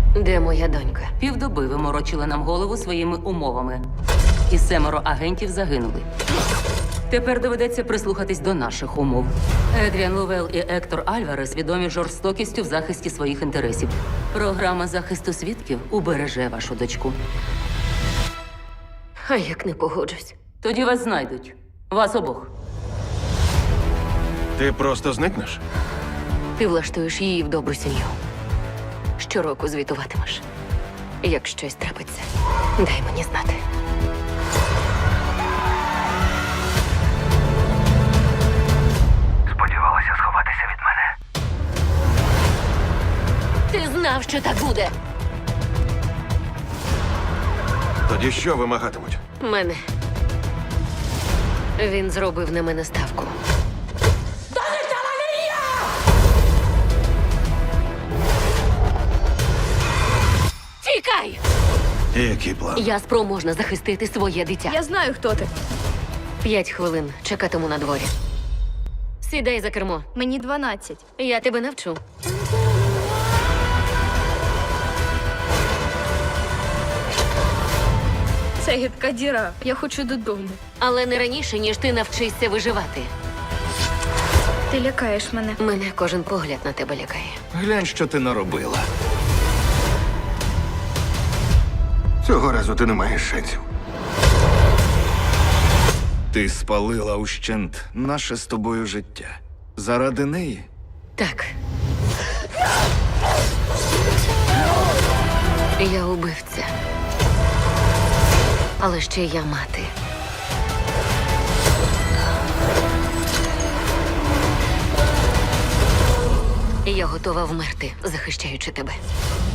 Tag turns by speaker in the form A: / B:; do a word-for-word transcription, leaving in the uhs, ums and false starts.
A: Де моя донька?
B: Півдоби ви морочили нам голову своїми умовами. І семеро агентів загинули. Тепер доведеться прислухатись до наших умов. Едріан Ловел і Ектор Альварес відомі жорстокістю в захисті своїх інтересів. Програма захисту свідків убереже вашу дочку.
A: А як не погоджусь?
B: Тоді вас знайдуть. Вас обох.
C: Ти просто зникнеш?
A: Ти влаштуєш її в добру сім'ю. Щороку звітуватимеш. Як щось трапиться, дай мені знати.
D: Сподівалася сховатися від мене.
A: Ти знав, що так буде.
C: Тоді що вимагатимуть?
A: Мене. Він зробив на мене ставку. Тікай!
C: Який план?
A: Я спроможна захистити своє дитя.
E: Я знаю, хто ти.
A: П'ять хвилин чекатиму на дворі. Сідай за кермо.
E: Мені дванадцять.
A: Я тебе навчу.
E: Це гидка діра. Я хочу додому.
A: Але не раніше, ніж ти навчишся виживати.
E: Ти лякаєш мене.
A: Мене кожен погляд на тебе лякає.
F: Глянь, що ти наробила.
C: Цього разу ти не маєш шансів.
F: Ти спалила ущент наше з тобою життя. Заради неї?
A: Так. Я убивця. Але ще я мати. Я готова вмерти, захищаючи тебе.